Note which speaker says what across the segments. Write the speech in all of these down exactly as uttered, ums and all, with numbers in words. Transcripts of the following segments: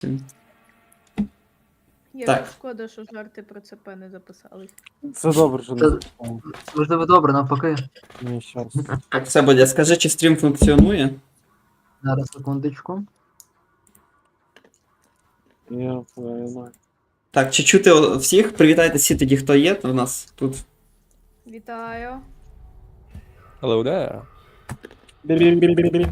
Speaker 1: Я
Speaker 2: Так.
Speaker 1: шкода, що жарти про ЦП не записали.
Speaker 3: Це добре, що не
Speaker 4: Це-
Speaker 3: записав.
Speaker 4: Можливо, добре, навпаки.
Speaker 3: Ні, щас.
Speaker 2: Так, все, Бодя, скажи, чи стрім функціонує?
Speaker 4: Зараз секундочку.
Speaker 3: Я знаю.
Speaker 2: Так, чи чути о- всіх? Привітайте всі тоді, хто є у нас тут.
Speaker 1: Вітаю.
Speaker 5: Hello there.
Speaker 3: Бі-бі-бі-бі-бі.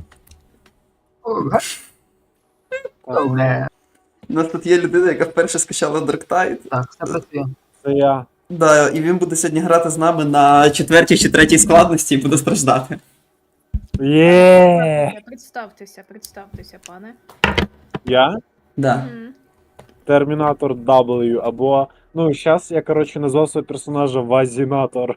Speaker 4: Добре.
Speaker 2: У нас тут є людина, яка вперше скачала Dark Tide.
Speaker 4: Так, все працює.
Speaker 3: Це я.
Speaker 2: Да, і він буде сьогодні грати з нами на четвертій чи третій складності і буде страждати.
Speaker 3: Є.
Speaker 1: Представтеся, представтеся, пане.
Speaker 3: Я?
Speaker 2: Да.
Speaker 1: Мгм.
Speaker 3: Термінатор W, або. Ну, зараз я, коротше, назвав свого персонажа Вазінатор.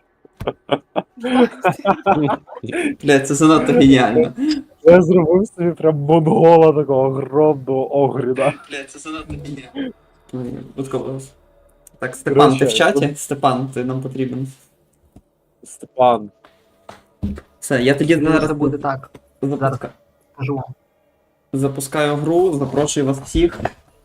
Speaker 2: Бля, це занадто геніально.
Speaker 3: Я зробив собі прям монгола такого огромного огріда.
Speaker 2: Бля, це занадто геніально. Будково. Так, Степан, ти в
Speaker 3: Коротше,
Speaker 2: чаті? Степан, ти нам потрібен.
Speaker 3: Степан.
Speaker 2: Все, я тоді зараз
Speaker 4: Це буде так.
Speaker 2: запуска...
Speaker 4: Кажу вам.
Speaker 2: запускаю гру, запрошую вас всіх.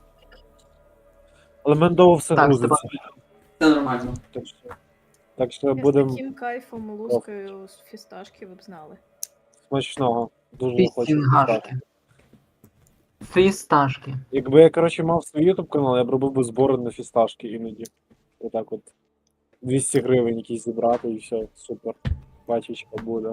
Speaker 3: Але мене довго все
Speaker 4: Так,
Speaker 3: грузиться.
Speaker 2: Це нормально.
Speaker 3: Так що, так що
Speaker 1: Я з
Speaker 3: будемо
Speaker 1: таким кайфом лускаю з фісташки, ви б знали.
Speaker 3: смачного. Дуже хочу.
Speaker 4: Фістінгашки. Фісташки.
Speaker 3: Якби я, коротше, мав свій ютуб канал, я б робив би збори на фісташки іноді. Отак от. двісті гривень якісь зібрати і все, супер. Пачечка буде.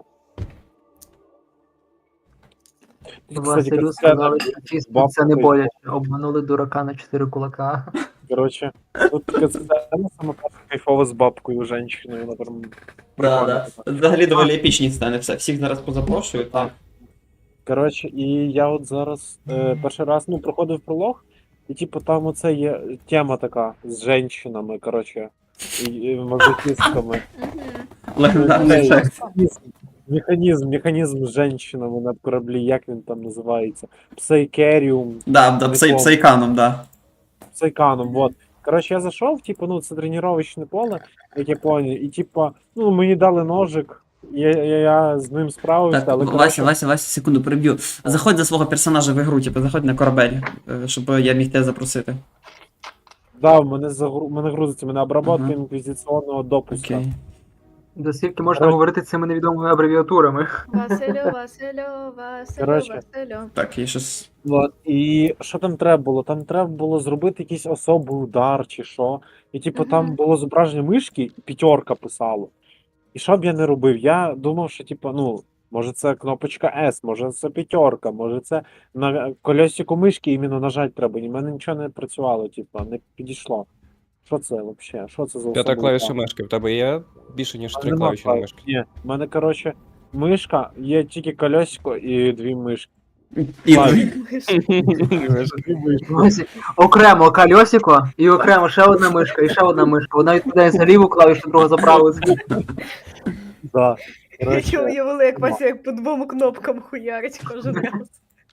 Speaker 3: Тут, кстати,
Speaker 4: Василю
Speaker 3: катсцена,
Speaker 4: сказали, що фіст
Speaker 3: бабка
Speaker 4: це не
Speaker 3: той.
Speaker 4: боляче. Обманули дурака на чотири кулака.
Speaker 3: коротше, тут катсцена саме перша кайфова з бабкою, женщиною, вона прям
Speaker 2: Да,
Speaker 3: прикольна
Speaker 2: да.
Speaker 3: така.
Speaker 2: Взагалі доволі епічні стане все. Всіх зараз позапрошую, так.
Speaker 3: Коротше, і я от зараз е, перший раз ну, проходив пролог, і типу там оце є тема така з женщинами, коротше, і, і мазохістками.
Speaker 1: Мгм.
Speaker 2: Легендарний
Speaker 3: Цей
Speaker 2: ефект.
Speaker 3: механізм, механізм, механізм з женщинами на кораблі, як він там називається? Псайкеріум,
Speaker 2: Да, да, псай, псайканом, да.
Speaker 3: псайканом, вот. Коротше, я зайшов, типу, ну, це тренувальне поле, як я поняв, і типу, ну, мені дали ножик, я, я, я з ним справився,
Speaker 2: Так,
Speaker 3: але
Speaker 2: Вася,
Speaker 3: коротше,
Speaker 2: Вася, Вася, секунду, переб'ю. Заходь за свого персонажа в ігру, типу, заходь на корабель, е, щоб я міг тебе запросити.
Speaker 3: да, в мене, загру... мене грузиться, мене обработка
Speaker 2: Ага.
Speaker 3: інквізиційного допуска.
Speaker 2: Окей.
Speaker 4: Доскільки можна
Speaker 3: Коротше.
Speaker 4: говорити цими невідомими абревіатурами.
Speaker 1: Василю, Василю, Василю,
Speaker 3: Коротше.
Speaker 1: Василю.
Speaker 2: Так, і щось.
Speaker 3: Вот. І що там треба було? Там треба було зробити якийсь особий удар чи що. І типу
Speaker 1: Мгм.
Speaker 3: там було зображення мишки, і п'ятерка писало. І що б я не робив? Я думав, що типу, ну, може це кнопочка S, може це п'ятерка, може це на колесику мишки іменно нажати треба. І в мене нічого не працювало, типу, не підійшло. Що це взагалі? Що це за
Speaker 5: П'ята
Speaker 3: особий
Speaker 5: клавіша
Speaker 3: удар?
Speaker 5: мишки. В тебе є більше, ніж
Speaker 3: А
Speaker 5: три
Speaker 3: нема
Speaker 5: клавіші на
Speaker 3: клавіш.
Speaker 5: мишки.
Speaker 3: Ні, в мене, коротше, мишка, є тільки колесико і дві мишки.
Speaker 2: І...
Speaker 3: Клавіш. Дві мишки.
Speaker 4: Ось окремо кольосико і окремо ще одна мишка і ще одна мишка. Одна відповідає за ліву клавішу, друга за праву.
Speaker 3: Да.
Speaker 1: Я
Speaker 3: Коротше,
Speaker 1: уявила, як Вася як по двом кнопкам хуярить кожен раз.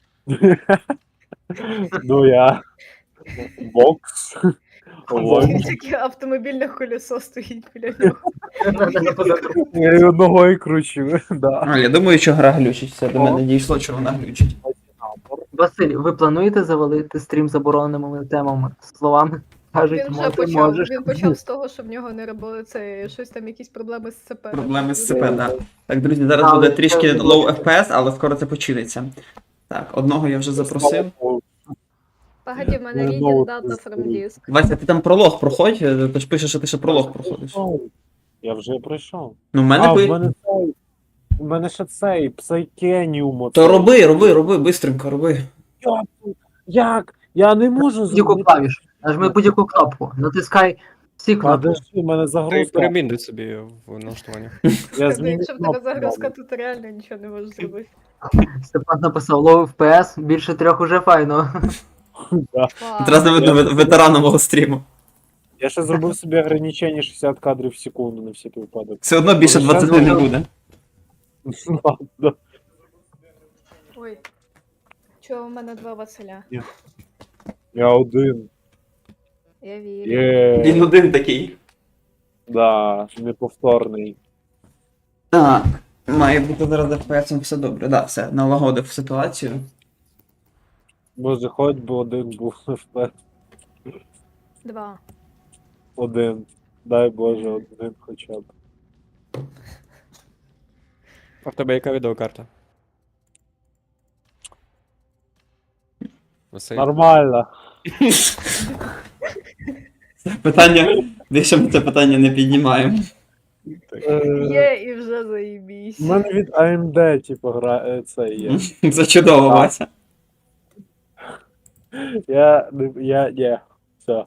Speaker 3: ну я. Бокс. Лонч.
Speaker 1: Таке автомобільне колесо стоїть біля нього.
Speaker 3: Я її ногою кручу. Да.
Speaker 2: А, я думаю, що гра глючить, все до
Speaker 3: О.
Speaker 2: мене дійшло, що вона глючить.
Speaker 4: Василь, ви плануєте завалити стрім забороненими темами? Словами кажуть,
Speaker 1: Він вже
Speaker 4: мо- ти
Speaker 1: почав.
Speaker 4: можеш.
Speaker 1: Він почав з того, що в нього не робили це щось там, якісь проблеми з ЦП.
Speaker 2: Проблеми з ЦП, да. Так, друзі, зараз
Speaker 4: Але
Speaker 2: буде трішки
Speaker 4: це-
Speaker 2: low еф пі ес, але скоро це починиться. Так, одного я вже запросив.
Speaker 1: Погоді, в мене
Speaker 3: Ну,
Speaker 1: reading
Speaker 3: ну,
Speaker 1: data from
Speaker 3: це-
Speaker 1: disk.
Speaker 2: Вася, ти там пролог проходь, е, ти ж пишеш, що ти ще пролог проходиш.
Speaker 3: Я вже пройшов.
Speaker 2: Ну, в мене
Speaker 3: А, в
Speaker 2: би.
Speaker 3: мене цей. У мене ще цей псайкеніум.
Speaker 2: То роби, роби, роби, бистренько, роби.
Speaker 3: Як? Я не можу
Speaker 4: Будь-яку клавішу. Нажми будь-яку кнопку. Натискай всі кнопки.
Speaker 3: Подожди, у мене
Speaker 5: Ти
Speaker 3: загрузка.
Speaker 5: перемінди собі в налаштуваннях.
Speaker 3: Я змінив
Speaker 1: Якщо в тебе
Speaker 3: кнопку.
Speaker 1: загрузка, то ти реально нічого не можеш зробити.
Speaker 4: Степан написав low еф пі ес, більше трьох уже файно.
Speaker 3: Да.
Speaker 2: Одразу видно ве- ветерана мого стріму.
Speaker 3: Я ще зробив собі ограничення шістдесят кадрів в секунду на всякий випадок.
Speaker 2: Все одно більше
Speaker 3: Може, щас
Speaker 2: двадцяти не
Speaker 4: зробимо?
Speaker 2: буде.
Speaker 3: Ладно.
Speaker 1: Ой. Чого в мене два Василя?
Speaker 3: Я один.
Speaker 1: Я вірю.
Speaker 2: Він
Speaker 3: Є.
Speaker 2: один такий.
Speaker 3: Да, неповторний.
Speaker 2: Так. Має бути зараз з еф пі ес все добре. Да, все, налагодив ситуацію.
Speaker 3: Боже, хоч би один був еф пі ес.
Speaker 1: Два.
Speaker 3: Один. Дай Боже, один хоча б.
Speaker 5: А в тебе яка відеокарта? Василь?
Speaker 3: Нормально.
Speaker 2: Це питання. Більше ми це питання не піднімаємо.
Speaker 3: Е,
Speaker 1: Є і вже
Speaker 3: У
Speaker 1: заїбісь.
Speaker 3: мене від ей ем ді, типу, гра... е, це є.
Speaker 2: Це чудово,
Speaker 3: Так.
Speaker 2: Вася.
Speaker 3: Я, не- я, ні. Все.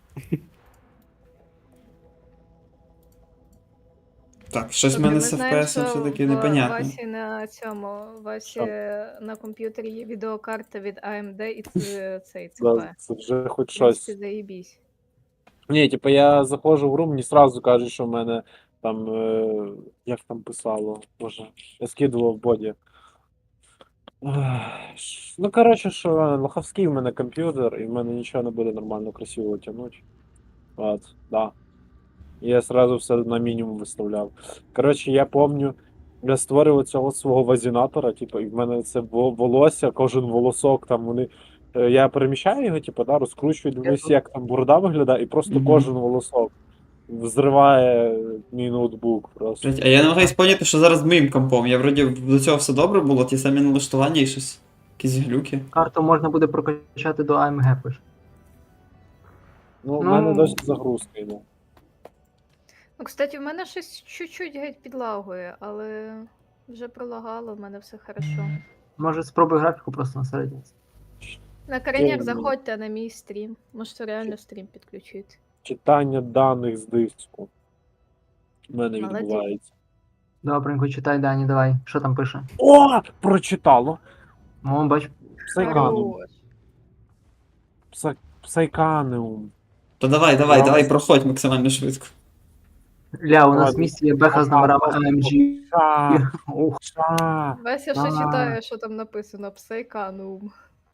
Speaker 2: Так, щось в
Speaker 1: Тобто
Speaker 2: мене
Speaker 1: ми
Speaker 2: з
Speaker 1: знаємо,
Speaker 2: еф пі ес
Speaker 1: що
Speaker 2: все-таки
Speaker 1: в
Speaker 2: непонятно.
Speaker 1: Васі на цьому, Васі
Speaker 3: Що?
Speaker 1: на комп'ютері є відеокарта від ей ем ді і це цей ЦП.
Speaker 3: Да, це вже хоч
Speaker 1: Ти
Speaker 3: щось.
Speaker 1: заїбісь.
Speaker 3: Ні, типу, я заходжу в гру, мені сразу кажуть, що в мене там. Е... Як там писало? Боже, я скидував в боді. Ех, ш- Ну, коротше, що лоховський в мене комп'ютер, і в мене нічого не буде нормально красиво тягнути. От, да. І я сразу все на мінімум виставляв. Коротше, я помню, я створював цього свого вазінатора, типу, і в мене це во- волосся, кожен волосок там вони. е, Я переміщаю його, типу, да, розкручую, дивлюся, як там борода виглядає, і просто
Speaker 2: Мгм.
Speaker 3: кожен волосок взриває мій ноутбук просто.
Speaker 2: Блять, а я не намагаюсь поняти, що зараз з моїм компом. Я вроді до цього все добре було, ті самі налаштування і щось. Якісь глюки.
Speaker 4: Карту можна буде прокачати до ей ем ге, пише.
Speaker 3: Ну, в
Speaker 4: Ну.
Speaker 3: мене досі загрузка йде.
Speaker 1: Ну, кстати, в мене щось чуть-чуть геть підлагує, але вже пролагало, в мене все хорошо.
Speaker 4: Може спробуй графіку просто на середній.
Speaker 1: На кореняк
Speaker 3: Ой,
Speaker 1: заходьте на мій стрім. Можете реально стрім підключити.
Speaker 3: Читання даних з диску. У мене
Speaker 1: Молодець.
Speaker 3: відбувається.
Speaker 4: Добренько, читай, Дані, давай. Що там пише?
Speaker 3: О! Прочитало!
Speaker 4: О, бач.
Speaker 3: Псайканеум.
Speaker 1: Хорош.
Speaker 3: Пса... Псайканеум.
Speaker 2: То давай, давай,
Speaker 3: Давай.
Speaker 2: давай, проходь максимально швидко.
Speaker 4: Ля, у нас
Speaker 3: Ладно.
Speaker 4: в місті є беха з номерами ей ем джі.
Speaker 3: Ша,
Speaker 4: Ух,
Speaker 3: ша.
Speaker 1: Вася ще
Speaker 3: А.
Speaker 1: читає, що там написано. Псейканум.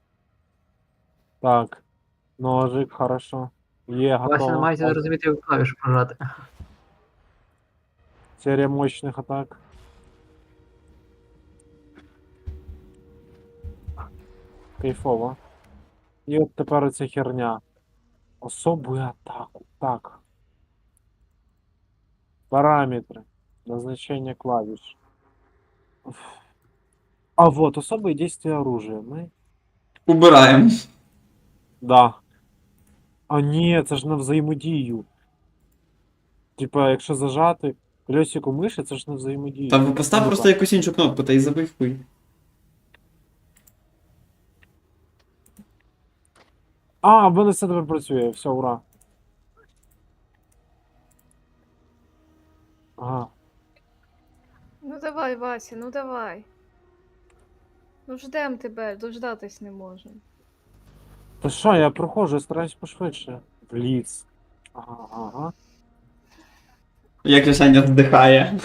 Speaker 3: Так. Ножик, хорошо. Є,
Speaker 4: Вася
Speaker 3: готово.
Speaker 4: намагається розуміти, як клавішу прожати.
Speaker 3: Серія мощних атак. Кайфово. І от тепер оця херня. Особую атаку. Так. Параметры. Назначение клавиш. Уф. А вот, особые действия оружия. Мы...
Speaker 2: Убираємо.
Speaker 3: Да. А ні, це ж на взаємодію. Типа, якщо зажати колесику миші, це ж на взаємодію.
Speaker 2: Та постав
Speaker 3: Ну,
Speaker 2: просто
Speaker 3: так.
Speaker 2: якусь іншу кнопку та й забий хуй.
Speaker 3: А, в мене все тепер працює, все, ура. Ага.
Speaker 1: Ну давай, Вася, ну давай. Ну ждем тебе, дождатись не можемо.
Speaker 3: Та що, я проходжу, я стараюсь пошвидше. Бліц. Ага, ага.
Speaker 2: Як же Саня вдихає.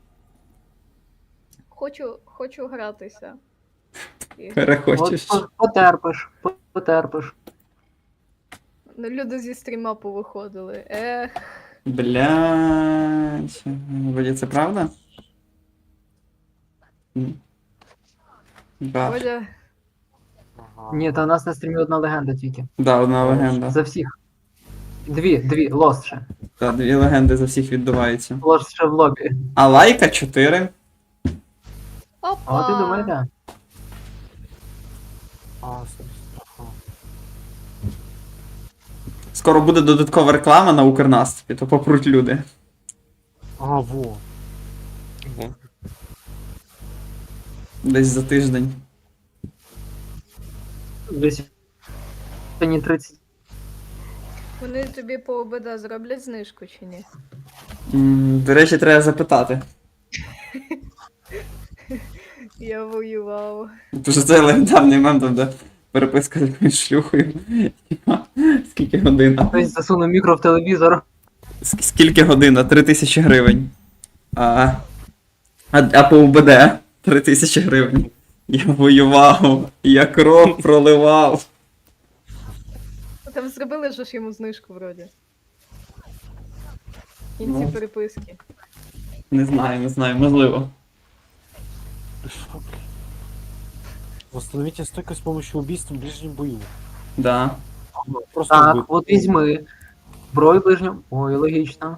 Speaker 1: Хочу, хочу гратися. І-
Speaker 2: Перехочеш.
Speaker 4: От, по- потерпиш, по- потерпиш.
Speaker 1: Ну, люди зі стріма повиходили. Ех,
Speaker 2: Блядь. Вроді це правда? М. Да.
Speaker 1: Оля,
Speaker 3: ага.
Speaker 4: Ні, та у нас на стрімі одна легенда тільки.
Speaker 2: Да, одна легенда.
Speaker 4: За всіх. Дві, дві, лост ще.
Speaker 2: Та, дві легенди за всіх відбуваються.
Speaker 4: Лост ще в лобі.
Speaker 2: А лайка чотири.
Speaker 1: опа!
Speaker 4: А от і думаєте?
Speaker 3: А, собственно, ага.
Speaker 2: Скоро буде додаткова реклама на Укрнаступі, то попруть люди.
Speaker 3: А, во.
Speaker 5: Ого.
Speaker 2: Десь за тиждень.
Speaker 4: Десь сьогодні тридцять.
Speaker 1: Вони тобі по ОБД зроблять знижку чи ні?
Speaker 2: М, До речі, треба запитати.
Speaker 1: Я воював.
Speaker 2: Тому що це легендарний мем, там, де переписка з якоюсь шлюхою. Типа, скільки година?
Speaker 4: Хтось засунув мікро в телевізор.
Speaker 2: Ск- Скільки година? Три тисячі гривень. А, а, а по УБД три тисячі гривень. Я воював, я кров проливав.
Speaker 1: Там зробили ж йому знижку вроді. В кінці
Speaker 2: Ну.
Speaker 1: переписки.
Speaker 2: Не знаю, не знаю, можливо.
Speaker 3: Що, блін? Восстановите стойкость с помощью убийства в ближнем бою.
Speaker 2: Да.
Speaker 3: Просто
Speaker 4: Так,
Speaker 3: убить.
Speaker 4: от візьми. Зброю ближню. Ой, логічно.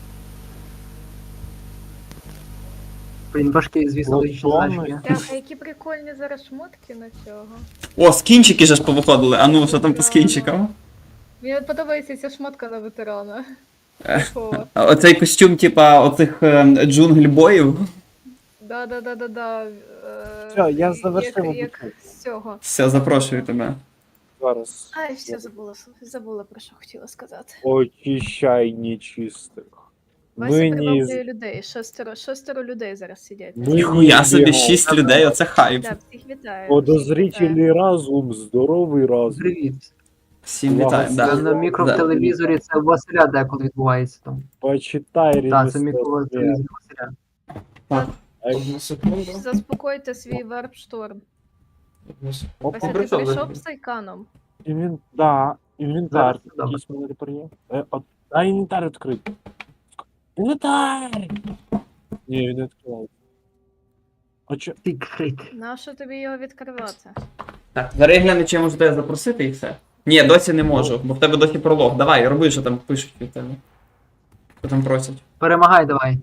Speaker 4: Блін, важкі, звісно,
Speaker 3: От
Speaker 4: логічні
Speaker 3: плавно.
Speaker 4: задачки.
Speaker 1: Так, а які прикольні зараз шмотки на цього.
Speaker 2: О, скінчики же ж повиходили. А ну, що там по скінчикам?
Speaker 1: Мені от подобається ця шмотка на ветерана.
Speaker 2: Е.
Speaker 1: Такого.
Speaker 2: А Оцей костюм, типа, оцих ем, джунгль-боїв.
Speaker 1: Да-да-да-да-да. е,
Speaker 3: Всё, я
Speaker 1: як-
Speaker 3: завершив
Speaker 1: Як
Speaker 3: обучення.
Speaker 1: з цього.
Speaker 2: Все, запрошую тебе.
Speaker 3: Зараз.
Speaker 1: Ай, все забула, забула про що хотіла сказати.
Speaker 3: Очищай нечистих.
Speaker 1: Вася
Speaker 3: Ми не...
Speaker 1: приваблює людей, шестеро, шестеро людей зараз сидять.
Speaker 3: Ми
Speaker 2: Ніхуя
Speaker 3: не
Speaker 2: собі,
Speaker 3: бігом.
Speaker 2: шість людей, оце хайп.
Speaker 1: Да, всіх вітаю. всіх вітаю.
Speaker 3: Подозрительний разум, здоровий разум.
Speaker 4: Привіт.
Speaker 2: Всім вітаю,
Speaker 4: Це
Speaker 2: да.
Speaker 4: на мікротелевізорі це у Василя деколи відбувається там.
Speaker 3: Почитай
Speaker 4: Так, це
Speaker 3: ремесло.
Speaker 4: мікротелевізор Василя.
Speaker 2: Одну секунду.
Speaker 1: Заспокойте свій варп-шторм.
Speaker 3: Опа,
Speaker 1: Вася, ти
Speaker 2: прийшов,
Speaker 1: прийшов
Speaker 2: да.
Speaker 1: з Сайканом?
Speaker 3: Інвен... Да, інвентар.
Speaker 4: Зараз, добре.
Speaker 3: Якийсь мене тепер є. Е, от... А інвентар відкритий. Інвентар! Ні, він не відкривав. А чо?
Speaker 4: Секрет.
Speaker 1: Нащо тобі його відкривати?
Speaker 2: Так, зараз я гляну, чи я можу тебе запросити і все. Ні, досі не можу, бо в тебе досі пролог. Давай, роби, що там пишуть від тебе. Що там просять.
Speaker 4: Перемагай давай.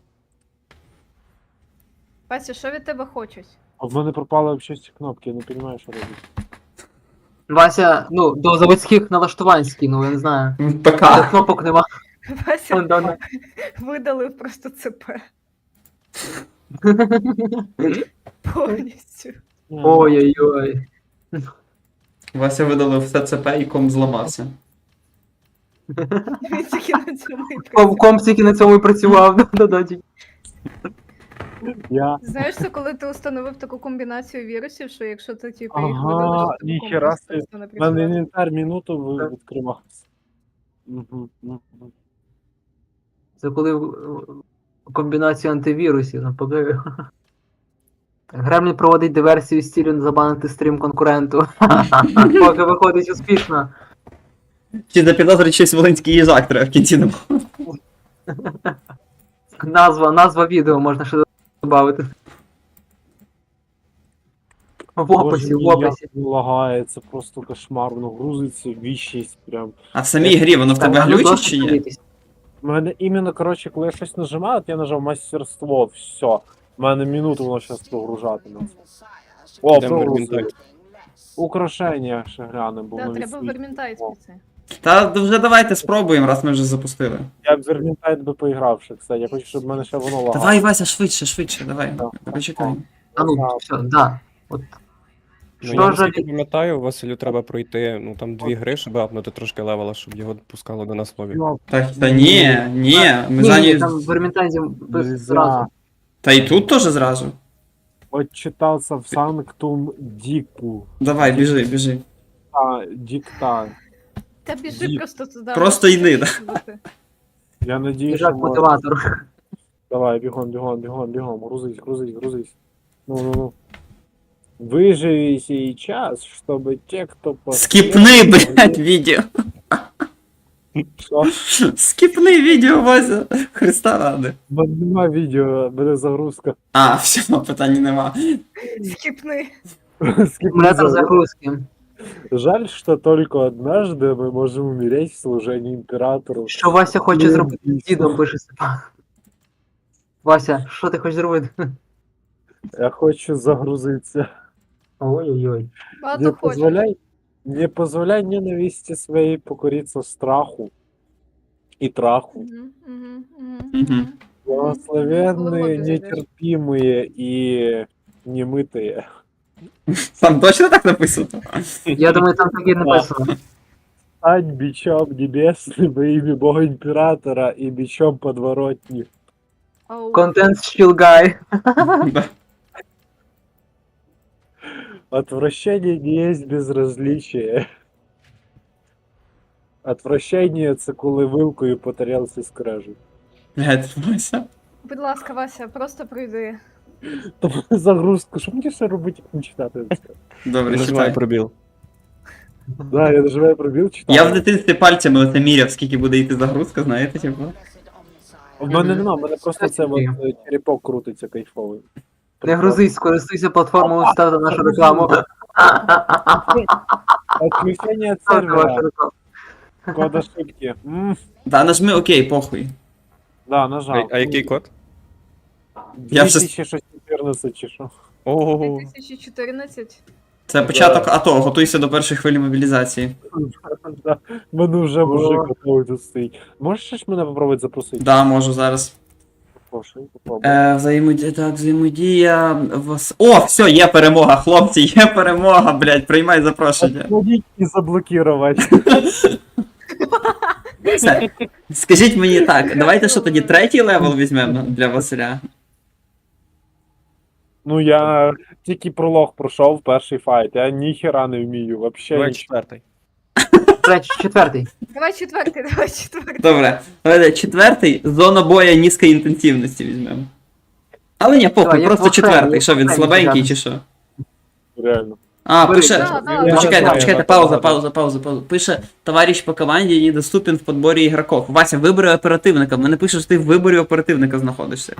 Speaker 1: Вася, що від тебе хочуть?
Speaker 3: А в мене пропали взагалі ці кнопки, я не розумію, що робити.
Speaker 4: Вася, ну, до заводських налаштувань скинув, я не знаю.
Speaker 2: В ПК.
Speaker 4: Та кнопок нема.
Speaker 1: Вася
Speaker 4: Вон, да,
Speaker 1: видалив просто ЦП повністю.
Speaker 4: Ой-ой-ой.
Speaker 2: Вася видалив все ЦП і ком зламався.
Speaker 1: Він тільки на цьому і
Speaker 4: Ком,
Speaker 1: працює.
Speaker 4: ком тільки на цьому і працював. Да-да-да.
Speaker 3: Я...
Speaker 1: Знаєш, це коли ти установив таку комбінацію вірусів, що якщо ти типу їх
Speaker 3: Ага,
Speaker 1: видалиш, то
Speaker 3: ніхера
Speaker 1: комп
Speaker 3: собі.
Speaker 1: просто не
Speaker 3: У мене
Speaker 1: працює.
Speaker 3: інвентар минуту ви- відкривався. Угу, угу.
Speaker 4: Це коли в- в комбінацію антивірусів, навпаки. Гремлін проводить диверсію з ціллю забанити стрім конкуренту. Поки виходить успішно.
Speaker 2: Чи запідозрить щось волинський їжак треба в кінці не
Speaker 4: Назва, назва відео можна ще додати. В описі, в
Speaker 3: Боже мій,
Speaker 4: описі.
Speaker 3: як він лагає, це просто кошмар, воно грузиться ві шість прям.
Speaker 2: А в самій грі воно в тебе
Speaker 4: Так, ну,
Speaker 2: глючить
Speaker 4: досить
Speaker 2: чи ні?
Speaker 4: дивитись.
Speaker 3: У мене іменно, коротше, коли я щось нажимаю, от я нажав мастерство, все. У мене минуту воно зараз прогружатиме. О,
Speaker 5: Йдемо в
Speaker 3: прогрузили.
Speaker 5: Вермінтайт.
Speaker 3: Украшення ще глянемо, бо
Speaker 1: Да,
Speaker 3: воно
Speaker 1: треба
Speaker 3: відсвіт-
Speaker 1: вермінтайт
Speaker 3: О.
Speaker 1: піти.
Speaker 2: Та вже давайте спробуємо, раз ми вже запустили.
Speaker 3: Я б Вермінтайт би поіграв ще, кстати. Я хочу, щоб в мене ще воно лагало.
Speaker 2: Давай, Вася, швидше, швидше, давай.
Speaker 3: Так.
Speaker 2: Почекай.
Speaker 4: А ну, все, да. От.
Speaker 5: Ну,
Speaker 4: Що
Speaker 5: я
Speaker 4: ж
Speaker 5: наскільки пам'ятаю, Василю треба пройти ну там дві гри, щоб апнути трошки левела, щоб його пускало до нас в лобі.
Speaker 3: Йоп,
Speaker 2: Так, та ні, ні, ми
Speaker 4: Ні,
Speaker 2: за
Speaker 4: ні,
Speaker 2: ні.
Speaker 4: там в Вермінтайзі
Speaker 3: нельзя.
Speaker 4: зразу.
Speaker 2: Та і тут теж зразу.
Speaker 3: Отчитався в Санктум Діку.
Speaker 2: Давай, біжи, біжи.
Speaker 3: А, Дікта.
Speaker 1: Та біжи
Speaker 3: Ді-
Speaker 1: просто туди.
Speaker 2: Просто
Speaker 1: можеш
Speaker 2: йди, да.
Speaker 1: бути.
Speaker 3: Я надію, що...
Speaker 4: Їжак
Speaker 3: може-
Speaker 4: мотиватор.
Speaker 3: Давай, бігом, бігом, бігом, бігом. Грузись, грузись, грузись. Ну, ну, ну. Выживи сейчас, чтобы те, кто...
Speaker 2: Скіпни, блядь, відео.
Speaker 3: Що?
Speaker 2: Скіпни відео, Вася. Христа ради.
Speaker 3: У мене нема відео, буде загрузка.
Speaker 2: А, все, питань нема.
Speaker 1: Скіпни.
Speaker 3: Скипни
Speaker 4: Симулятор
Speaker 3: загрузку.
Speaker 4: загрузки.
Speaker 3: Жаль, что только однажды мы можем умереть в служении императору.
Speaker 4: Що Вася хоче
Speaker 3: Блін,
Speaker 4: зробити з дідом, пише Степан. Вася, що ти хочеш зробити?
Speaker 3: Я хочу загрузиться.
Speaker 4: Ой-ой-ой.
Speaker 1: Багато
Speaker 3: Не
Speaker 1: хочеш.
Speaker 3: позволяй, не позволяй ненависти своей покориться страху и траху.
Speaker 1: Мгм, мгм, мгм,
Speaker 2: Мгм.
Speaker 1: мгм.
Speaker 3: Благословенные,
Speaker 1: Головой зайдешь.
Speaker 3: нетерпимые и немытые.
Speaker 2: Там точно так написано?
Speaker 4: Я думаю, там таке написано.
Speaker 3: Стань бичом небесным во имя Бога Императора и бичом подворотни.
Speaker 1: Ау.
Speaker 4: Контент Shield Guy.
Speaker 2: Да.
Speaker 3: Отвращение не есть безразличие. Отвращение це коли вилкою по тарілці скрежуть.
Speaker 2: Блядь, Вася.
Speaker 1: Будь ласка, Вася, просто прийди.
Speaker 3: Тому загрузку, що мені ще робити, як не читати це?
Speaker 2: Добре,
Speaker 5: Нажимай
Speaker 2: читай.
Speaker 5: пробіл.
Speaker 3: Да, я нажимаю пробіл, читаю.
Speaker 2: Я в дитинстві пальцями оце міряв, скільки буде йти загрузка, знаєте, типу.
Speaker 3: В мене нема, в мене просто це от, е, черепок крутиться кайфовий.
Speaker 4: Не грузись, скористуйся платформою, ставте нашу рекламу.
Speaker 3: Отключение
Speaker 4: Ставте вашу
Speaker 3: сервера.
Speaker 4: рекламу.
Speaker 3: Код ошибки. М,
Speaker 2: Да, нажми окей, похуй.
Speaker 3: Да,
Speaker 5: А,
Speaker 3: нажав.
Speaker 5: а який код?
Speaker 2: Я вже-
Speaker 3: дві тисячі шістсот чотирнадцять чи що?
Speaker 5: Ого.
Speaker 1: дві тисячі чотирнадцять.
Speaker 2: Це початок АТО, готуйся до першої хвилі мобілізації.
Speaker 3: Да, мене вже мужик готовий тут стоїть. Можеш ще ж мене попробувати запросити?
Speaker 2: Да, можу зараз.
Speaker 3: Прошу, попробуй.
Speaker 2: Е, взаємодія, так, взаємодія. вас- О, все, є перемога, хлопці, є перемога, блядь, приймай запрошення.
Speaker 3: Отводить і заблокувати.
Speaker 2: Все. Скажіть мені так, давайте що тоді третій левел візьмемо для Василя.
Speaker 3: Ну я тільки пролог пройшов перший файт, я ніхера не вмію, вообще
Speaker 5: Давай
Speaker 3: нічого.
Speaker 5: четвертий.
Speaker 4: Третій, четвертий.
Speaker 1: Давай четвертий, давай четвертий.
Speaker 2: Добре, давайте четвертий, зона боя низької інтенсивності візьмемо. Але ні,
Speaker 4: Так,
Speaker 2: похуй,
Speaker 4: як
Speaker 2: просто
Speaker 4: в Окремі,
Speaker 2: четвертий,
Speaker 4: як
Speaker 2: що
Speaker 4: в
Speaker 2: він
Speaker 4: Окремі
Speaker 2: слабенький
Speaker 4: взяти.
Speaker 2: чи що?
Speaker 3: Реально.
Speaker 2: А,
Speaker 4: Бери.
Speaker 2: пише.
Speaker 1: Да, да,
Speaker 3: Я
Speaker 1: да.
Speaker 3: не
Speaker 2: Почекайте,
Speaker 3: знаю,
Speaker 2: почекайте,
Speaker 3: як
Speaker 2: пауза,
Speaker 3: багато.
Speaker 2: пауза, пауза, пауза. Пише, товариш по команді недоступен в подборі ігроків. Вася, вибери оперативника. Мене пише, що ти в виборі оперативника знаходишся.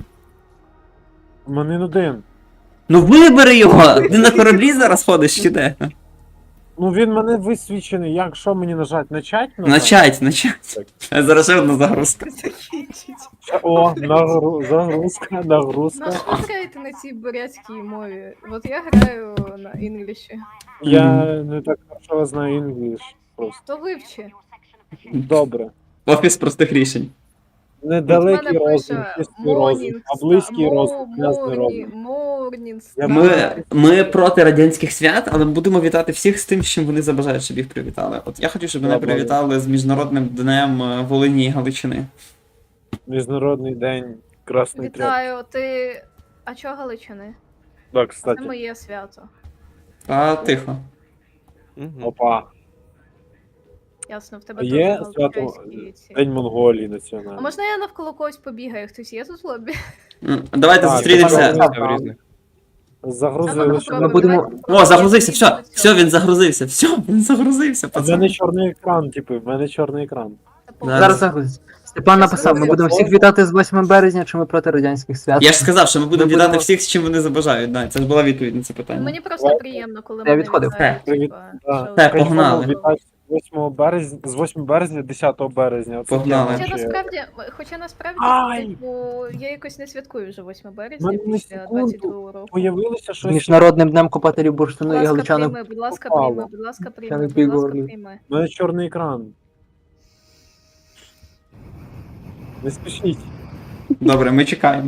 Speaker 3: У мене один.
Speaker 2: Ну вибери його! Ти на кораблі зараз ходиш чи де?
Speaker 3: Ну він мене висвічений, як що мені нажать? Начать?
Speaker 2: Начать, начать. Зараз ще одна загрузка.
Speaker 1: Закінчить.
Speaker 3: О, нагру... загрузка, нагрузка.
Speaker 1: Ну, що ви граєте на цій бурятській мові? От я граю на інгліші.
Speaker 3: Я не так хорошо знаю інгліш. Просто.
Speaker 1: То вивчи.
Speaker 3: Добре.
Speaker 2: Офіс простих рішень.
Speaker 3: Недалекий
Speaker 1: мене
Speaker 3: розум,
Speaker 1: пише
Speaker 3: чистий розум, а близький розум, грязний розум.
Speaker 1: Морнінг.
Speaker 3: Я
Speaker 2: Ми, ми проти радянських свят, але будемо вітати всіх з тим, з чим вони забажають, щоб їх привітали. От я хочу, щоб мене
Speaker 3: Добре.
Speaker 2: привітали з Міжнародним днем е, Волині і Галичини.
Speaker 3: Міжнародний день Красний Тряп.
Speaker 1: Вітаю, ти. А чого Галичини?
Speaker 3: Да,
Speaker 1: Це
Speaker 3: кстати.
Speaker 1: моє свято.
Speaker 2: Та тихо.
Speaker 5: Мгм.
Speaker 3: Опа.
Speaker 1: Ясно, в тебе
Speaker 3: Є
Speaker 1: теж
Speaker 3: свято
Speaker 1: галичинські ці.
Speaker 3: День Монголії
Speaker 1: А
Speaker 3: національний.
Speaker 1: можна я навколо когось побігаю? Хтось є тут в лобі?
Speaker 2: М, Давайте
Speaker 3: Так,
Speaker 2: зустрінемося.
Speaker 3: давай.
Speaker 5: Це в різних.
Speaker 3: Загрузили, що
Speaker 4: Ми будемо-
Speaker 2: О, загрузився, все, все, він загрузився, все, він загрузився,
Speaker 3: в мене
Speaker 2: пацан.
Speaker 3: чорний екран, типу, в мене чорний екран.
Speaker 2: Зараз.
Speaker 4: Зараз загрузиться. Степан написав, ми будемо всіх вітати з восьмого березня, чи ми проти радянських свят.
Speaker 2: Я ж сказав, що ми будемо
Speaker 4: Ми
Speaker 2: вітати
Speaker 4: будемо-
Speaker 2: всіх, з чим вони забажають. Да, це ж була відповідь на це питання.
Speaker 1: Мені просто
Speaker 3: Давай.
Speaker 1: приємно, коли
Speaker 4: Я
Speaker 1: мене
Speaker 4: відходив.
Speaker 1: вітають,
Speaker 3: Привіт.
Speaker 1: типа,
Speaker 3: Да.
Speaker 1: що-
Speaker 2: Так, погнали.
Speaker 3: Вітаю з восьмого березня, з восьмого березня, десятого березня. Оце
Speaker 2: Погнали.
Speaker 3: я
Speaker 1: Хоча
Speaker 3: вообще-
Speaker 1: насправді, хоча насправді,
Speaker 3: Ай!
Speaker 1: типу, я якось не святкую вже восьмого березня
Speaker 3: Мене на
Speaker 1: після
Speaker 3: секунду
Speaker 1: двадцять другого року.
Speaker 3: Появилося
Speaker 4: З
Speaker 3: щось.
Speaker 4: Міжнародним днем копателів
Speaker 1: Будь
Speaker 4: бурштину і
Speaker 1: ласка,
Speaker 4: галичани.
Speaker 1: прийми, будь ласка,
Speaker 3: попало.
Speaker 1: прийми, будь ласка, прийми,
Speaker 4: не
Speaker 1: будь ласка,
Speaker 4: пігорлі.
Speaker 1: прийми.
Speaker 3: У мене чорний екран. Не спішіть.
Speaker 2: Добре, ми чекаємо.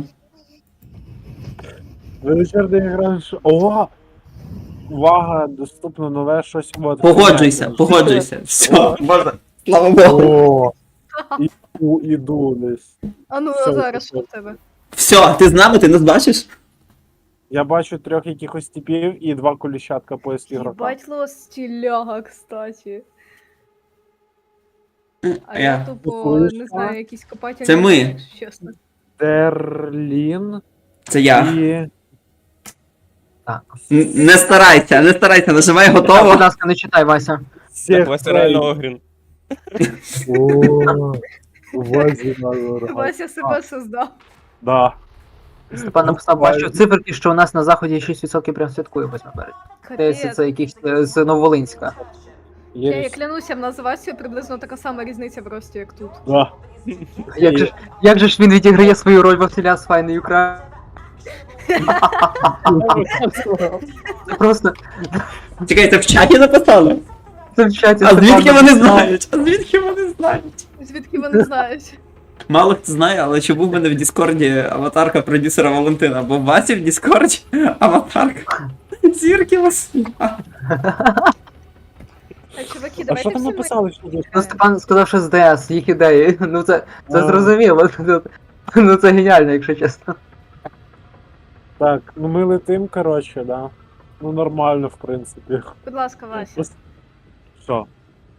Speaker 3: В мене чорний екран. що- Ова! Увага, доступно нове щось. От,
Speaker 2: Погоджуйся,
Speaker 3: понятно.
Speaker 2: погоджуйся. Все, можна. Слава Богу.
Speaker 3: О, іду, іду десь.
Speaker 1: А ну,
Speaker 3: Все,
Speaker 1: а зараз
Speaker 3: все.
Speaker 1: що в тебе?
Speaker 2: Все, ти з нами, ти нас бачиш?
Speaker 3: Я бачу трьох якихось типів і два коліщатка поиск ігрока.
Speaker 1: Батьло стіляга, кстати. А я
Speaker 2: Я.
Speaker 1: тупо,
Speaker 3: Слухаєш,
Speaker 1: не
Speaker 3: а?
Speaker 1: знаю, якісь копателі.
Speaker 2: Це ми.
Speaker 1: якщо чесно.
Speaker 3: Дерлін
Speaker 2: Це я.
Speaker 3: і.
Speaker 4: Так.
Speaker 2: Н- Не старайся, не старайся, нажимай
Speaker 4: Так, будь
Speaker 2: готово.
Speaker 4: ласка, не читай, Вася.
Speaker 5: Так, Вася реально Огрін.
Speaker 3: О, Вазі надо.
Speaker 1: Вася себе создав.
Speaker 3: Да.
Speaker 4: Степан написав, бачу циферки, що у нас на заході шість відсотків прям святкує восьмого березня. Здається,
Speaker 1: Капець.
Speaker 4: це якийсь е, з Нововолинська.
Speaker 1: Я, я
Speaker 3: Є.
Speaker 1: клянуся, в нас з Васею приблизно така сама різниця в рості, як тут.
Speaker 3: Да.
Speaker 4: Як же, ж- як же ж він відіграє свою роль Василя з файною Україною? Це просто
Speaker 2: Чекай, це в чаті написали?
Speaker 4: це в чаті.
Speaker 2: А
Speaker 4: Степан
Speaker 2: звідки вони
Speaker 4: написав.
Speaker 2: знають? А звідки вони знають?
Speaker 1: Звідки вони знають?
Speaker 2: Мало хто знає, але чому в мене в Діскорді аватарка продюсера Валентина? Бо в Васі в Діскорді аватарка зірки Василя.
Speaker 1: А, чуваки,
Speaker 3: А
Speaker 1: давайте
Speaker 3: що там
Speaker 1: всі
Speaker 3: написали, що тут?
Speaker 4: Ну, Степан сказав, що з ДС, їх ідеї. Ну це, це
Speaker 3: А.
Speaker 4: зрозуміло. Ну це геніально, якщо чесно.
Speaker 3: Так, ну ми летим, коротше, да. Ну нормально, в принципі.
Speaker 1: Будь ласка, Вася.
Speaker 3: Просто- Що?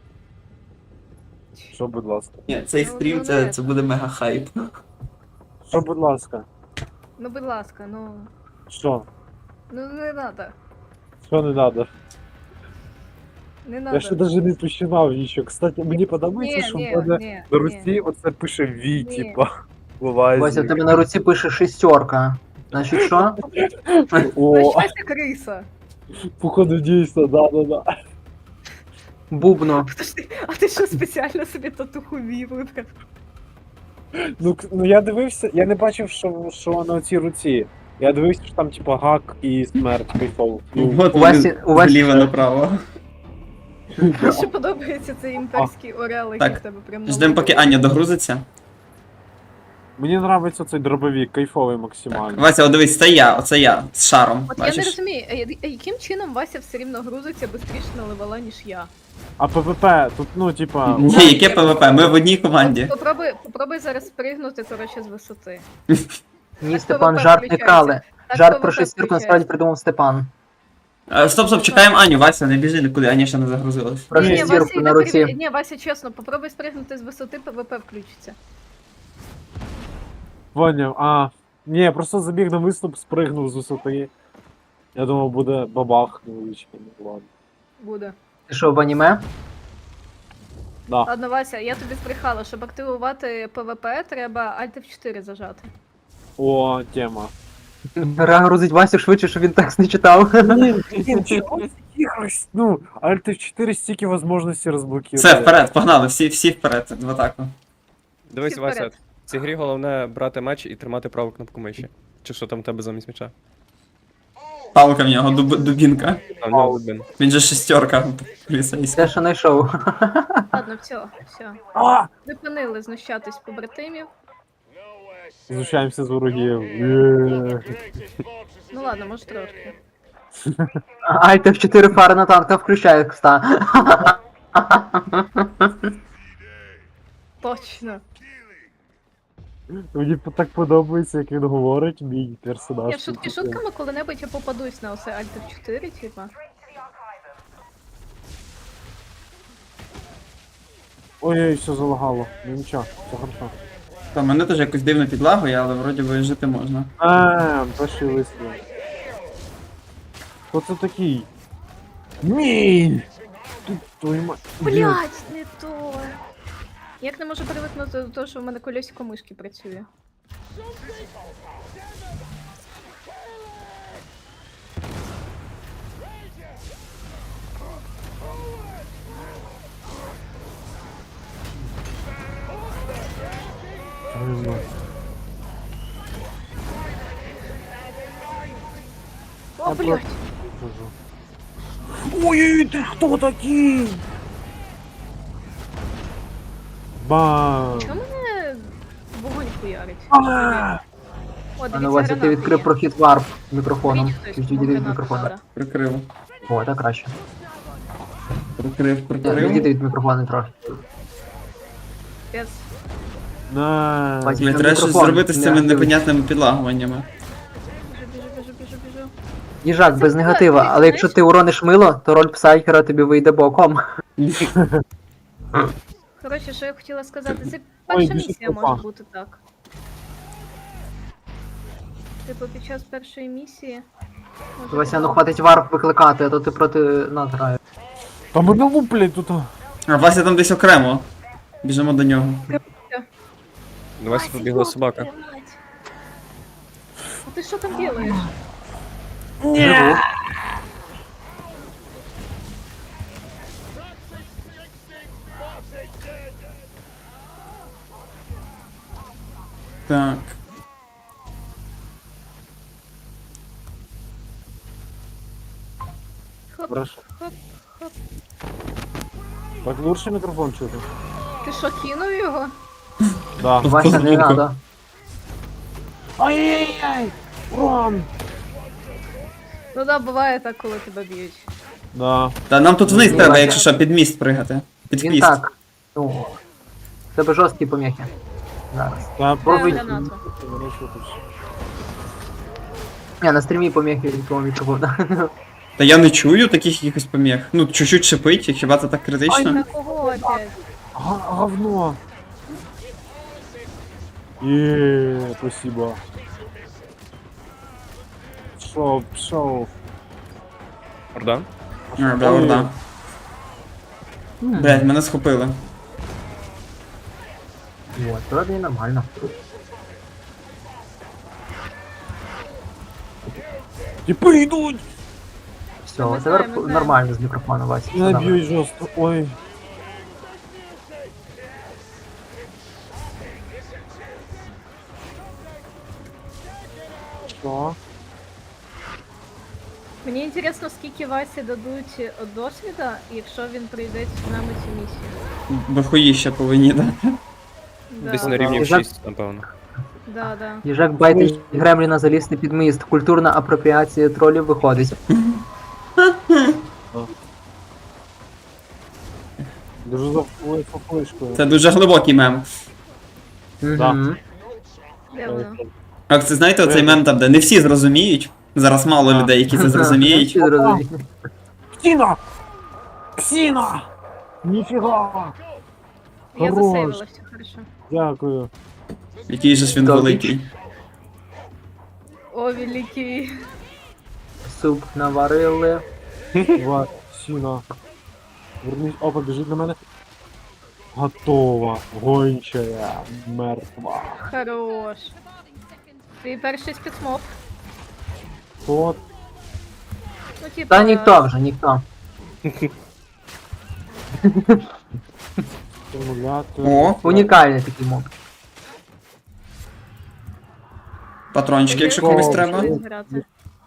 Speaker 3: Що, будь ласка?
Speaker 2: Ні, цей стрім це, це буде мега хайп.
Speaker 3: Що, будь ласка?
Speaker 1: Ну, будь ласка, ну.
Speaker 3: Що?
Speaker 1: Ну не надо.
Speaker 3: Що не надо?
Speaker 1: Не надо.
Speaker 3: Я ще навіть не починав нічого. Кстати, мені подобається,
Speaker 1: Ні,
Speaker 3: що
Speaker 1: ні,
Speaker 3: в мене
Speaker 1: ні,
Speaker 3: на
Speaker 1: ні.
Speaker 3: Русі оце пише Ві,
Speaker 1: Ні.
Speaker 3: типа. Буває.
Speaker 4: Вася, в тебе на руці пише шістерка. Значить, що?
Speaker 3: О,
Speaker 1: Вася криса.
Speaker 3: походу дійсно, да-да-да.
Speaker 4: Бубно.
Speaker 1: Подожди, а ти що спеціально собі татуху вів вибрав?
Speaker 3: Ну, к- ну я дивився, я не бачив, що, що на цій руці. Я дивився, що там типа гак і смерть кайфово. Ну,
Speaker 2: От
Speaker 4: у
Speaker 2: вони
Speaker 4: Васі- у Васі-
Speaker 2: зліва направо.
Speaker 1: Мені ще подобається цей імперський орел, який
Speaker 2: Так,
Speaker 1: в тебе прям на
Speaker 2: Ждемо, поки
Speaker 1: лобі.
Speaker 2: Аня догрузиться.
Speaker 3: мені подобається цей дробовик, кайфовий
Speaker 2: Так,
Speaker 3: максимально.
Speaker 2: Вася, о, дивись, це я, оце я, з шаром.
Speaker 1: От я не
Speaker 2: Бачиш?
Speaker 1: розумію, а я- а яким чином Вася все рівно грузиться швидше на левела, ніж я?
Speaker 3: А ПВП, тут, ну, типа.
Speaker 2: Ні, яке ПВП? Ми в одній команді.
Speaker 1: Попробуй, попробуй зараз спригнути, коротше, з висоти.
Speaker 4: Ні, Степан, жарт не крали.
Speaker 1: Так
Speaker 4: Жарт
Speaker 1: ПВП
Speaker 4: про шестірку
Speaker 1: включається.
Speaker 4: насправді придумав Степан.
Speaker 2: Е, Стоп, стоп, чекаємо Аню, Вася, не біжи нікуди, Аня ще не загрузилась.
Speaker 4: Про
Speaker 1: Ні, ні,
Speaker 4: шестірку
Speaker 1: Вася,
Speaker 4: на
Speaker 1: йде
Speaker 4: руці.
Speaker 1: перевір- Ні, Вася, чесно, попробуй спригнути з висоти, ПВП включиться.
Speaker 3: Поняв, а. Ні, я просто забіг на виступ, спригнув з висоти. Я думав, буде бабах невеличкий, ну ладно.
Speaker 1: Буде.
Speaker 4: Ти що, в аніме?
Speaker 3: Да.
Speaker 1: Ладно, Вася, я тобі збрехала, щоб активувати ПВП, треба Alt F чотири зажати.
Speaker 3: О, тема.
Speaker 4: Гра грузить Васю швидше, щоб він текст не читав.
Speaker 3: Якось, ну, Alt F чотири стільки можливостей розблокує.
Speaker 2: Все, вперед, погнали, всі, всі вперед, в атаку.
Speaker 5: Дивись,
Speaker 1: Всі
Speaker 5: Вася,
Speaker 1: вперед.
Speaker 5: в цій грі головне брати меч і тримати праву кнопку миші. Чи що там в тебе замість меча?
Speaker 2: Палка в нього, дуб, дубінка.
Speaker 5: А в нього один.
Speaker 2: Він же шестерка поліцейська.
Speaker 4: Те, що знайшов.
Speaker 1: Ладно, все, все.
Speaker 3: А!
Speaker 1: Зупинили знущатись побратимів.
Speaker 3: Знущаємося з ворогів. Є.
Speaker 1: Ну ладно, може трошки.
Speaker 4: Alt F чотири фари на танка включає кста.
Speaker 1: Точно.
Speaker 3: Мені так подобається, як він говорить, мій персонаж.
Speaker 1: Я шутки шутками коли-небудь я попадусь на оце Alt F чотири, типа.
Speaker 3: Ой-ой, все залагало. Ну нічого, все хорошо.
Speaker 2: Та мене теж якось дивно підлагує, але вроді би жити можна.
Speaker 3: А, перший вистріл. Хто це такий? Ні! Тут твою мать.
Speaker 1: Блять, не то. Як не можу привикнути до того, що в мене колесико мишки працює.
Speaker 3: Твою мать.
Speaker 1: О, блять.
Speaker 3: Ой-ой, ти хто такий? Бам!
Speaker 1: Чому мене вогонь хуярить?
Speaker 3: А!
Speaker 1: О,
Speaker 4: А ну
Speaker 1: дивіться,
Speaker 4: Вася, ти
Speaker 1: гранати
Speaker 4: відкрив
Speaker 1: є.
Speaker 4: прохід варп мікрофоном.
Speaker 1: Беріть хтось,
Speaker 4: Відійди
Speaker 1: бо
Speaker 4: від
Speaker 1: гранату
Speaker 4: мікрофона.
Speaker 1: надо.
Speaker 2: Прикрив.
Speaker 4: О, так краще.
Speaker 2: Прикрив,
Speaker 4: Відійди
Speaker 2: прикрив.
Speaker 4: від мікрофона трохи.
Speaker 1: Пес.
Speaker 3: На.
Speaker 4: Бачиш,
Speaker 2: Блін,
Speaker 4: на
Speaker 2: треба щось
Speaker 4: мікрофон
Speaker 2: зробити з
Speaker 4: не
Speaker 2: цими
Speaker 4: активний.
Speaker 2: непонятними підлагуваннями.
Speaker 1: Біжу, біжу, біжу, біжу, біжу.
Speaker 4: Їжак,
Speaker 1: Це
Speaker 4: без
Speaker 1: правда,
Speaker 4: негатива,
Speaker 1: ти
Speaker 4: але якщо
Speaker 1: знаєш?
Speaker 4: ти урониш мило, то роль псайкера тобі вийде боком.
Speaker 1: Коротше, що я хотіла сказати, це
Speaker 3: Ой,
Speaker 1: перша
Speaker 3: біжить
Speaker 1: місія
Speaker 3: толпа.
Speaker 1: може бути так. Типу, під час першої місії. може
Speaker 4: Вася, ну
Speaker 1: бути.
Speaker 4: хватить варп викликати, а то ти проти нас граєш.
Speaker 3: Та мене луплять тут.
Speaker 2: А Вася там десь окремо. Біжимо до нього.
Speaker 5: До Васі
Speaker 1: Вася,
Speaker 5: побігла
Speaker 1: ёб
Speaker 5: собака.
Speaker 1: твою мать. А ти що там робиш?
Speaker 4: Живу.
Speaker 2: Так.
Speaker 1: Хоп,
Speaker 3: Хорошо.
Speaker 1: хоп, хоп.
Speaker 3: Так лучше мікрофон чути.
Speaker 1: Ти що, кинув його?
Speaker 3: Да.
Speaker 4: Вася, не
Speaker 2: Звуку.
Speaker 4: надо.
Speaker 3: Ай-яй-яй! Урон!
Speaker 1: Ну да, буває так, коли тебе б'ють.
Speaker 3: Да.
Speaker 2: Та нам тут вниз
Speaker 4: Ні,
Speaker 2: треба,
Speaker 4: Вася.
Speaker 2: якщо що, під міст пригати. Під
Speaker 4: Він
Speaker 2: хвіст.
Speaker 4: так. Ну. в Тебе жорсткі поміхи. Зараз.
Speaker 3: Та
Speaker 1: Дай
Speaker 4: Пробуй.
Speaker 1: гранату.
Speaker 3: Мене чути.
Speaker 4: Ні, на стрімі поміхи від твого мікрофона.
Speaker 2: Та я не чую таких якихось поміг. Ну, чуть-чуть шипить, і хіба це так критично?
Speaker 1: На кого опять?
Speaker 3: Га- Говно. Еее, спасибо. Пшов, пшов.
Speaker 5: Орда?
Speaker 2: А, да, орда. Блять, мене схопили.
Speaker 4: Вот, вроде і нормально.
Speaker 3: Типи йдуть!
Speaker 4: Все,
Speaker 1: Ми
Speaker 4: тепер
Speaker 1: знаємо, знаємо.
Speaker 4: нормально з мікрофону, Вася. все
Speaker 3: Не
Speaker 4: добре.
Speaker 3: б'ють жорстко. Ой. Що?
Speaker 1: Мені інтересно, скільки Васі дадуть е, досвіда, якщо він пройде з нами цю місію.
Speaker 2: Дохуїще повинні дати.
Speaker 1: Да,
Speaker 5: Десь на рівні в
Speaker 4: Їжак-
Speaker 5: шість, напевно.
Speaker 1: да, да.
Speaker 4: Їжак байтить Гремліна залізти під міст. Культурна апропіація тролів виходить.
Speaker 3: Дуже за флешкою.
Speaker 2: Це дуже глибокий мем.
Speaker 4: Мгм.
Speaker 1: Де воно?
Speaker 2: А це знаєте, оцей мем там, де не всі зрозуміють. Зараз мало
Speaker 3: А.
Speaker 2: людей, які це зрозуміють.
Speaker 4: Всі зрозуміють.
Speaker 3: Ксіна! Ксіна! Ніфіга!
Speaker 1: Я
Speaker 3: Хорош.
Speaker 1: засейвила, все хорошо.
Speaker 3: Дякую.
Speaker 2: Який же ж він
Speaker 4: Так.
Speaker 2: великий.
Speaker 1: О, великий.
Speaker 4: Суп наварили.
Speaker 3: Ва, Ксіна. Вернись. Опа, біжить на мене. Готова. Гончая. Мертва.
Speaker 1: Хорош. Твій перший спецмоб.
Speaker 3: Хто?
Speaker 1: Ну, типа...
Speaker 4: Та ніхто вже, ніхто.
Speaker 3: Стимулятор.
Speaker 2: О,
Speaker 4: Унікальний такий моб.
Speaker 2: патрончики, якщо комусь треба.
Speaker 1: Щось грати.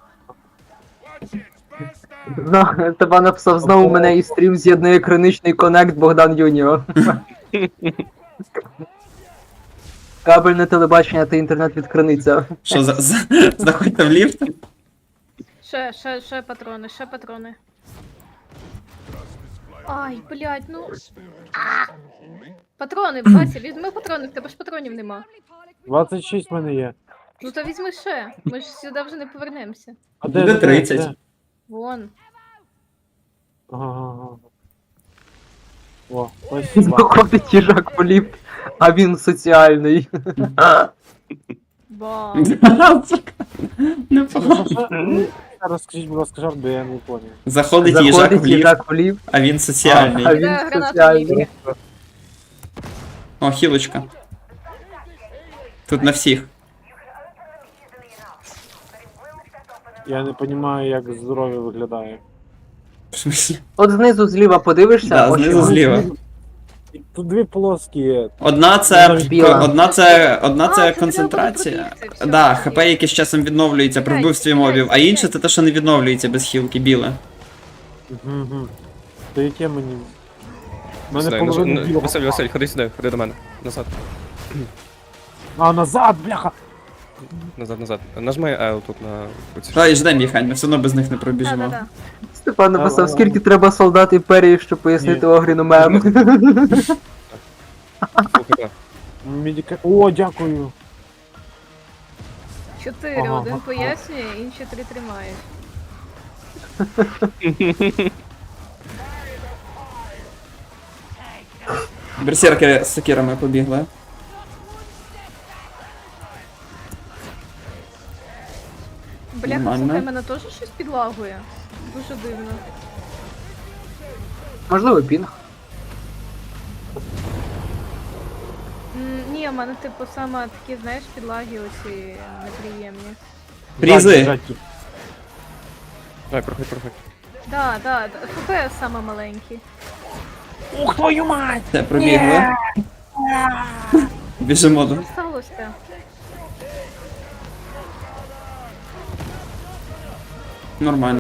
Speaker 4: Зна- Тебе написав знову мене і стрім з'єднує криничний конект Богдан Юніо. Кабельне телебачення та інтернет від криниця.
Speaker 2: Що, за, за, заходьте в ліфт?
Speaker 1: Ще, ще, ще патрони, ще патрони. Ай, блядь, ну. А! Патрони, Вася, візьми патрони, в тебе ж патронів нема.
Speaker 3: двадцять шість в мене є.
Speaker 1: Ну то візьми ще. Ми ж сюди вже не повернемося.
Speaker 3: А
Speaker 2: Буде
Speaker 3: де, де,
Speaker 2: тридцять.
Speaker 3: де?
Speaker 1: Вон.
Speaker 3: Ага, ага, ага. О, спасибо.
Speaker 4: Заходить їжак по ліфт, а він соціальний.
Speaker 1: Бам.
Speaker 2: Непогано.
Speaker 3: Розкажіть, будь ласка, жарт, бо я не поняв.
Speaker 2: Заходить їжак в
Speaker 4: Заходить
Speaker 2: ліфт,
Speaker 4: їжак по ліфт,
Speaker 2: а він
Speaker 4: а
Speaker 2: соціальний.
Speaker 4: він
Speaker 1: Іде граната в
Speaker 4: соціальний.
Speaker 1: ліфті.
Speaker 2: О, хілочка. Тут на всіх.
Speaker 3: Я не розумію, як здоров'я виглядає.
Speaker 2: В смислі?
Speaker 4: От знизу зліва подивишся,
Speaker 2: Да,
Speaker 4: ось
Speaker 2: знизу
Speaker 4: його.
Speaker 2: зліва.
Speaker 3: Тут дві полоски є.
Speaker 2: Одна це,
Speaker 4: Біла.
Speaker 2: одна це, одна
Speaker 1: А,
Speaker 2: це
Speaker 1: це треба
Speaker 2: концентрація.
Speaker 1: буде пробігти, всьо,
Speaker 2: Да,
Speaker 1: окей.
Speaker 2: ХП, яке з часом відновлюється при
Speaker 1: Стріляй,
Speaker 2: вбивстві
Speaker 1: стріляй,
Speaker 2: мобів, а
Speaker 1: стріляй.
Speaker 2: інше це те, що не відновлюється без хілки, біле.
Speaker 3: Угу. То яке мені. У мене
Speaker 5: Сюди, наж-
Speaker 3: половина
Speaker 5: н-
Speaker 3: білого.
Speaker 5: Василь, Василь, ходи сюди, ходи до мене. Назад,
Speaker 3: А, назад, бляха!
Speaker 5: назад, назад. Нажми L тут на оці.
Speaker 2: Давай ждем їх, Ань, ми все одно без них не
Speaker 1: Да,
Speaker 2: пробіжимо.
Speaker 1: да, да.
Speaker 4: Степан написав, скільки треба солдат імперії, щоб пояснити
Speaker 3: Ні.
Speaker 4: Огріну мем.
Speaker 5: Слухай,
Speaker 3: Медика... О, дякую.
Speaker 1: Чотири,
Speaker 3: Ага.
Speaker 1: один пояснює, інші три тримають.
Speaker 2: Берсерки з сокирами побігли.
Speaker 1: Бляха,
Speaker 2: Нормально.
Speaker 1: слухай, мене теж щось підлагує. Дуже дивно.
Speaker 4: Можливо, пінг.
Speaker 1: М, Ні, в мене типу саме такі, знаєш, підлаги оці неприємні.
Speaker 2: Прізи.
Speaker 3: Біжать тут.
Speaker 5: давай, проходь, проходь.
Speaker 1: Да, да, да. ФПС саме маленький.
Speaker 3: Ух, твою мать!
Speaker 2: Все, пробігли. Біжимо до.
Speaker 1: Що сталося?
Speaker 2: Нормально.